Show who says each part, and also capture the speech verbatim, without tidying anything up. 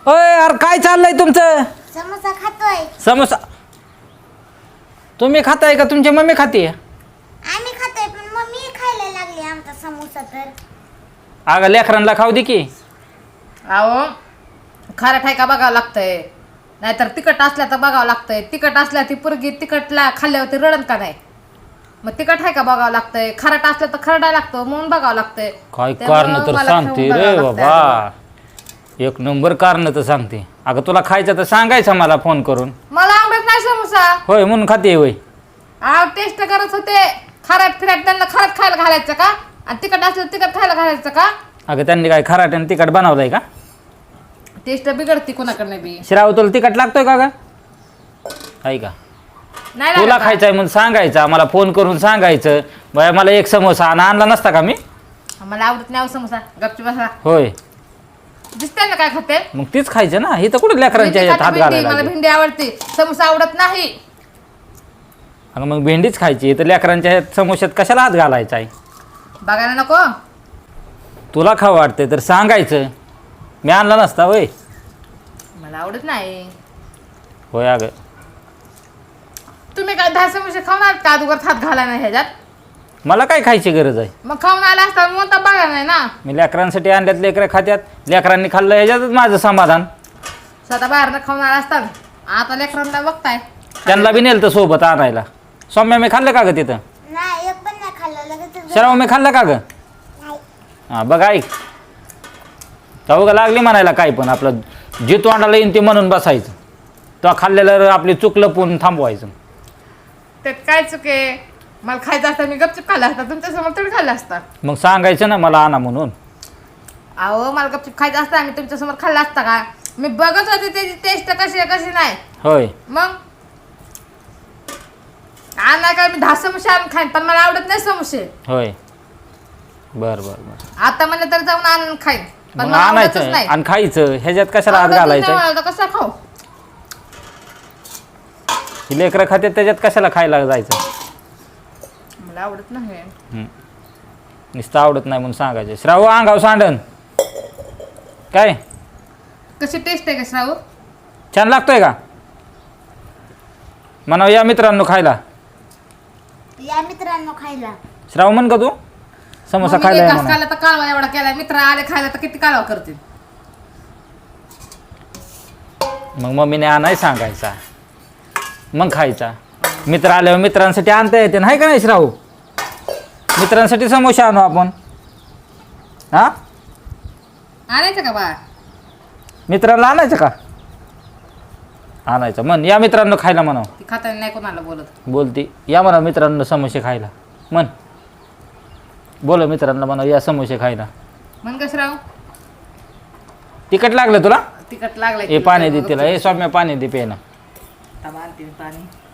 Speaker 1: होय यार काय चाललंय तुमचं?
Speaker 2: समोसा खातोय.
Speaker 1: समोसा तुम्ही खाताय का तुमची मम्मी खाते?
Speaker 2: आम्ही खातोय पण मम्मी खायला लागली आमचा समोसा तर.
Speaker 1: अगं लेकरांना खाऊ दे की.
Speaker 3: अहो खारट आहे का बघावं लागतंय, नाहीतर तिखट असल्या तर बघावं लागतंय. तिखट असल्या ती पुरगी तिखटला खाल्ल्यावरती रडन का नाही, मग तिखट आहे का बघावं लागतंय. खारट असलं तर खरडा लागतो म्हणून बघावं लागतंय.
Speaker 1: काय
Speaker 3: त्यामुळं
Speaker 1: कारण तर
Speaker 3: मला
Speaker 1: सांगते
Speaker 3: खाऊन
Speaker 1: रे
Speaker 3: बघावं लागतंय
Speaker 1: बाबा, एक नंबर कारण तर सांगते. अगं तुला खायचं तर सांगायचं मला फोन करून.
Speaker 3: मला आवडत नाही समोसा.
Speaker 1: होय म्हणून खाते होय.
Speaker 3: अहो टेस्ट करत होते. खारट फिरट त्यांना खारट खायला घालायचं का, आणि तिखट असलं तर तिखट खायला घालायचं का?
Speaker 1: अगं त्यांनी काय खराट आणि तिखट बनवलंय का?
Speaker 3: टेस्ट बिघडती कोणाकडनं बी.
Speaker 1: श्राव तुला तिखट लागतोय का ग? आहे का?
Speaker 3: नाही
Speaker 1: तुला
Speaker 3: लागत का?
Speaker 1: खायचंय म्हणून सांगायचं, मला फोन करून सांगायचं. बाय मला एक समोसा आणि आणला नसता का मी?
Speaker 3: मला आवडत नाही अहो समोसा. गपची बसा.
Speaker 1: होय
Speaker 3: दिसते ना काय खाते.
Speaker 1: मग तीच खायचं ना. हे तर कुठे लेकरांच्या
Speaker 3: भेंडी
Speaker 1: ह्याच्यात हात
Speaker 3: खाते, भेंडी.
Speaker 1: घालायला
Speaker 3: मला
Speaker 1: लागले.
Speaker 3: भेंडी आवडते, समोसा आवडत नाही.
Speaker 1: अगं मग भेंडीच खायची तर लेकरांच्या ह्यात समोश्यात कशाला हात घालायचा आहे?
Speaker 3: बघायला नको.
Speaker 1: तुला खाऊ वाटते तर सांगायचं, मी आणला नसता होय.
Speaker 3: मला आवडत नाही.
Speaker 1: होय अगं
Speaker 3: तुम्ही काय दहा समोसे खाऊन आलात का अगोदर हात घाला नाही ह्याच्यात?
Speaker 1: मला काय खायची गरज आहे?
Speaker 3: मग खाऊन आला असता मग तर बघा नाही ना.
Speaker 1: मी लेकरांसाठी आणल्यात, लेकरं खात्यात. लेकरांनी खाल्लं ह्याच्यातच माझं समाधान.
Speaker 3: स्वतः बाहेरनं खाऊन आला असता. आता लेकरांना बघताय.
Speaker 1: त्यांना बी नेलं तर सोबत आणायला. सौम्या मी खाल्लं का ग तिथं?
Speaker 2: नाही एक पण नाही खाल्लं लगेच.
Speaker 1: शराव मी खाल्लं का ग?
Speaker 2: नाही.
Speaker 1: हां बघ ऐक, जाऊ लागली म्हणायला काय पण आपलं जे तोंडाला येईन ते म्हणून बसायचं. तो खाल्लेलं आपली चूक लपवून थांबवायचं.
Speaker 3: त्यात काय चुके. मला खायचं असतं मी गपचूप खाल्ला असता, तुमच्यासमोर थोडी खाल्ला असता.
Speaker 1: मग सांगायचं ना मला आणा म्हणून.
Speaker 3: अहो मला गपचूप खायचं असतं मी तुमच्यासमोर खाल्ला असता का? मी बघत होते त्याची टेस्ट कशी आहे कशी नाही.
Speaker 1: होय
Speaker 3: मग आणा काय मी दहा समोसे आणून खाईन, पण मला आवडत नाही समोसे.
Speaker 1: होय बर बर बर
Speaker 3: आता म्हणलं तर जाऊन आणून खाईन, पण
Speaker 1: मग
Speaker 3: मला आवडतच
Speaker 1: आणायचं
Speaker 3: नाही.
Speaker 1: आणि खायचं. ह्याच्यात कशाला हात
Speaker 3: आवडतच नाही
Speaker 1: घालायचं?
Speaker 3: मला तर कसं खाऊ.
Speaker 1: ही लेकरं खात्यात त्याच्यात कशाला खायला जायचं?
Speaker 3: मला आवडत नाही.
Speaker 1: हं. नुसतं आवडत नाही म्हणून सांगायचं. श्राव अंगाव सांडन काय?
Speaker 3: कशी टेस्ट आहे का श्रावू?
Speaker 1: छान लागतोय का? म्हणा या मित्रांनो खायला.
Speaker 2: या मित्रांनो खायला.
Speaker 1: श्राव म्हण का तू समोसा
Speaker 3: मग मी
Speaker 1: खायला
Speaker 3: एक
Speaker 1: या
Speaker 3: घास
Speaker 1: म्हणा.
Speaker 3: खाल्ला तर कालवा एवढा केला. मित्र आले खायला तर किती कालवा करतील.
Speaker 1: मग मम्मीने आणाय सांगायचा, मग खायचा. मित्र आल्यावर मित्रांसाठी आणता येते नाही का नाही श्रावू? मित्रांसाठी समोसा आणू आपण. हा
Speaker 3: आणायचं का बा?
Speaker 1: मित्रांना आणायचं का? आणायचं म्हण या मित्रांनो खायला म्हणाव.
Speaker 3: ती खाताना नाही कोणाला बोलत.
Speaker 1: बोलती या म्हणा मित्रांनो समोसे खायला म्हण. बोल मित्रांना म्हणा या समोसे खायला.
Speaker 3: म्हण का श्राव?
Speaker 1: तिखट लागलं तुला?
Speaker 3: तिखट लागलाय.
Speaker 1: ए पाणी दे तिला. ए सौम्या पाणी दे पेना.
Speaker 3: पाणी